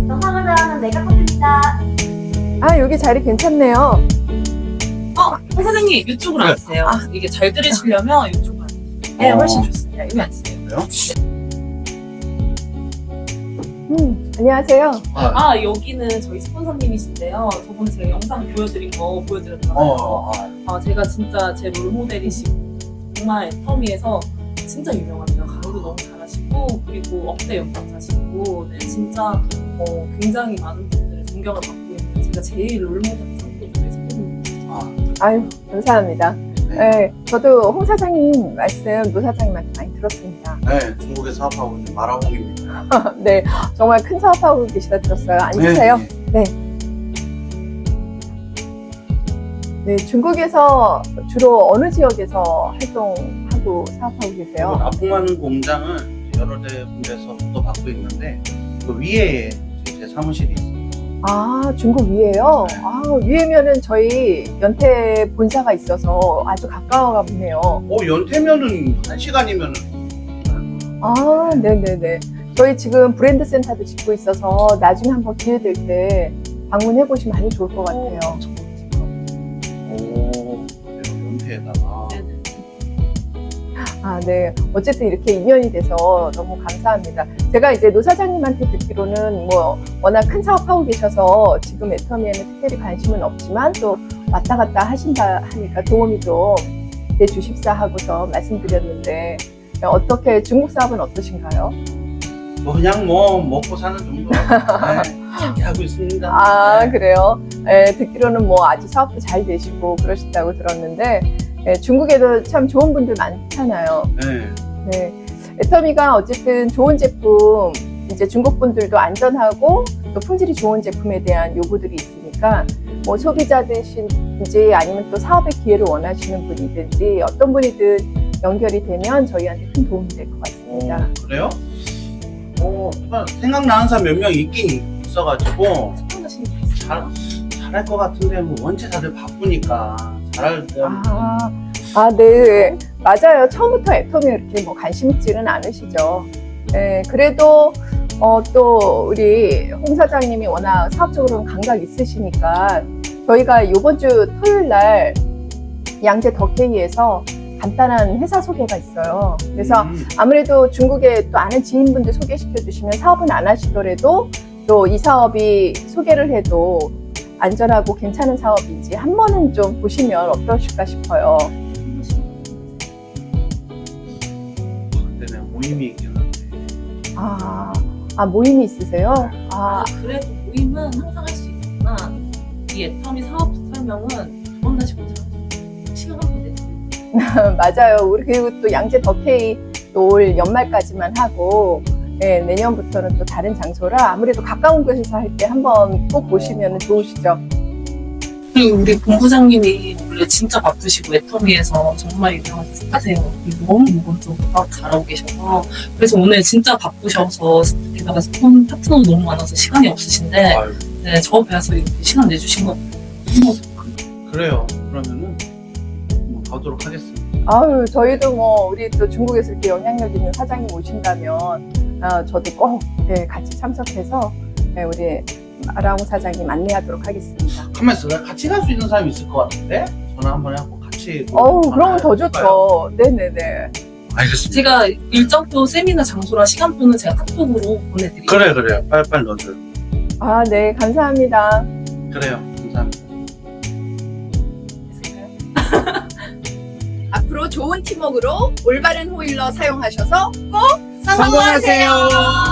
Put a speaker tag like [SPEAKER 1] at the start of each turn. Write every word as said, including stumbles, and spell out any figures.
[SPEAKER 1] 영상은 내가 꽂힙니다.
[SPEAKER 2] 아, 여기 자리 괜찮네요.
[SPEAKER 3] 어, 홍 사장님 이쪽으로
[SPEAKER 4] 네.
[SPEAKER 3] 앉으세요.
[SPEAKER 2] 아.
[SPEAKER 3] 이게 잘 들으시려면 이쪽으로 앉으세요. 네,
[SPEAKER 4] 어.
[SPEAKER 3] 훨씬 좋습니다. 여기 앉으세요.
[SPEAKER 4] 그래요?
[SPEAKER 2] 음, 안녕하세요.
[SPEAKER 4] 아,
[SPEAKER 3] 아, 여기는 저희 스폰서님이신데요. 저번에 제가 영상 보여드린 거 보여드렸잖아요.
[SPEAKER 4] 어, 아,
[SPEAKER 3] 아, 제가 진짜 제 롤모델이시고 정말 애터미에서 진짜 유명합니다. 강의도 너무 잘하시고 그리고 억대 연봉자시고 네, 진짜 어, 굉장히 많은 분들의 존경을 받고 있는 제가 제일 롤모델 상품 중에 스폰서님.
[SPEAKER 4] 아,
[SPEAKER 2] 아유, 감사합니다.
[SPEAKER 4] 네.
[SPEAKER 2] 네, 저도 홍 사장님 말씀 노 사장님한테 많이 들었습니다.
[SPEAKER 4] 네, 중국에 사업하고 있는 마라홍입니다.
[SPEAKER 2] 네, 정말 큰 사업하고 계시다 들었어요. 앉으세요.
[SPEAKER 4] 네.
[SPEAKER 2] 네, 중국에서 주로 어느 지역에서 활동하고 사업하고 계세요?
[SPEAKER 4] 납품하는 공장을 여러 대 군데서 또 받고 있는데 그 위에 제 사무실이 있어요.
[SPEAKER 2] 아, 중국 위에요?
[SPEAKER 4] 네.
[SPEAKER 2] 아, 위에면은 저희 연태 본사가 있어서 아주 가까워가 보네요.
[SPEAKER 4] 어, 연태면은 한 시간이면은
[SPEAKER 2] 아, 네네네. 저희 지금 브랜드 센터도 짓고 있어서 나중에 한번 기회 될 때 방문해 보시면 아주 좋을 것 같아요.
[SPEAKER 4] 오, 그래요, 연태에다가.
[SPEAKER 3] 네네.
[SPEAKER 2] 아, 네. 어쨌든 이렇게 인연이 돼서 너무 감사합니다. 제가 이제 노 사장님한테 듣기로는 뭐 워낙 큰 사업하고 계셔서 지금 애터미에는 특별히 관심은 없지만 또 왔다 갔다 하신다 하니까 도움이 좀 내주십사 하고서 말씀드렸는데 어떻게 중국 사업은 어떠신가요?
[SPEAKER 4] 뭐 그냥 뭐 먹고 사는 정도. 네, 잘 하고 있습니다.
[SPEAKER 2] 아,
[SPEAKER 4] 네.
[SPEAKER 2] 그래요? 예, 듣기로는 뭐 아주 사업도 잘 되시고 그러신다고 들었는데 예, 중국에도 참 좋은 분들 많잖아요.
[SPEAKER 4] 네.
[SPEAKER 2] 네. 애터미가 어쨌든 좋은 제품, 이제 중국 분들도 안전하고 또 품질이 좋은 제품에 대한 요구들이 있으니까 뭐 소비자들이신지 아니면 또 사업의 기회를 원하시는 분이든지 어떤 분이든 연결이 되면 저희한테 큰 도움이 될 것 같습니다.
[SPEAKER 4] 어, 그래요? 어, 생각나는 사람 몇 명 있긴 있어가지고
[SPEAKER 3] 스폰서님
[SPEAKER 4] 잘, 잘할 것 같은데 뭐 원체 다들 바쁘니까 잘할 때
[SPEAKER 2] 아, 아, 네. 맞아요. 처음부터 애터미에 이렇게 뭐 관심 있지는 않으시죠. 네, 그래도 어, 또 우리 홍 사장님이 워낙 사업적으로는 감각 있으시니까 저희가 이번 주 토요일 날 양재 더케이에서 간단한 회사 소개가 있어요. 그래서
[SPEAKER 4] 음,
[SPEAKER 2] 아무래도 중국에 또 아는 지인분들 소개시켜 주시면 사업은 안 하시더라도 또 이 사업이 소개를 해도 안전하고 괜찮은 사업인지 한 번은 좀 보시면 어떠실까 싶어요.
[SPEAKER 4] 그때는 모임이 있긴 한데
[SPEAKER 2] 아, 아 모임이 있으세요? 아,
[SPEAKER 3] 아, 그래도 모임은 항상 할 수 있지만 이 애터미 사업 설명은 두 번 다시 못하고 시간 한번 내세요.
[SPEAKER 2] 맞아요. 우리 그리고 또 양재 더케이 또 올 연말까지만 하고 네, 내년부터는 또 다른 장소라 아무래도 가까운 곳에서 할 때 한번 꼭 보시면 좋으시죠.
[SPEAKER 3] 그리고 우리 본부장님이 원래 진짜 바쁘시고 애터미에서 정말 유명하세요. 너무 이것도 사업 잘하고 계셔서 그래서 오늘 진짜 바쁘셔서 게다가 스폰 파트너도 너무 많아서 시간이 없으신데
[SPEAKER 4] 아유,
[SPEAKER 3] 네, 저 배워서 이렇게 시간 내주신 거
[SPEAKER 4] 그래요. 그러면은 한번 가도록 하겠습니다.
[SPEAKER 2] 아유, 저희도 뭐 우리 또 중국에서 이렇게 영향력 있는 사장님 오신다면 아, 저도 꼭 네, 같이 참석해서 네, 우리 마라홍 사장님 안내하도록 하겠습니다.
[SPEAKER 4] 가만 있어. 같이 갈 수 있는 사람이 있을 것 같은데 전화 한번 해갖고 같이.
[SPEAKER 2] 어우,
[SPEAKER 4] 전화
[SPEAKER 2] 그러면 더
[SPEAKER 4] 해볼까요?
[SPEAKER 2] 좋죠. 네네네.
[SPEAKER 4] 알겠습니다.
[SPEAKER 3] 제가 일정표 세미나 장소랑 시간표는 제가 카톡으로 보내드릴게요.
[SPEAKER 4] 그래 그래요. 빨리빨리 넣어줘요.
[SPEAKER 2] 아, 네, 감사합니다.
[SPEAKER 4] 그래요. 감사합니다.
[SPEAKER 2] 앞으로 좋은 팀워크로 올바른 호일러 사용하셔서 꼭
[SPEAKER 4] 성공하세요.